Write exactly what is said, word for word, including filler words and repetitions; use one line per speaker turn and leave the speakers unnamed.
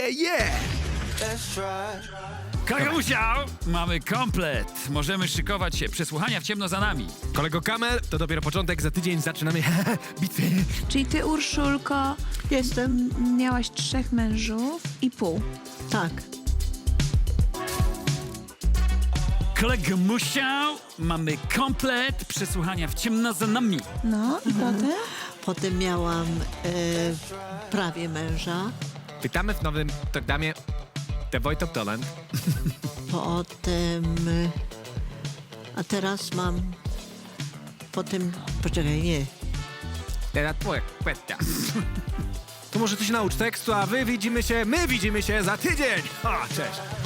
yeah, yeah!
Kagamusia! Mamy komplet. Możemy szykować się. Przesłuchania w ciemno za nami.
Kolego Kamel, to dopiero początek, za tydzień zaczynamy bitwę.
Czyli ty, Urszulko,
Jestem.
m- miałaś trzech mężów i pół.
Tak.
Kolega Musiał, mamy komplet. Przesłuchania w ciemno za nami.
No i potem?
Potem miałam e, prawie męża.
Witamy w nowym programie The Voice of Talent.
Potem... e, A teraz mam... Potem... Poczekaj, nie.
Teraz twoja kwestia. To może ty się naucz tekstu, a wy widzimy się, my widzimy się za tydzień. O, cześć.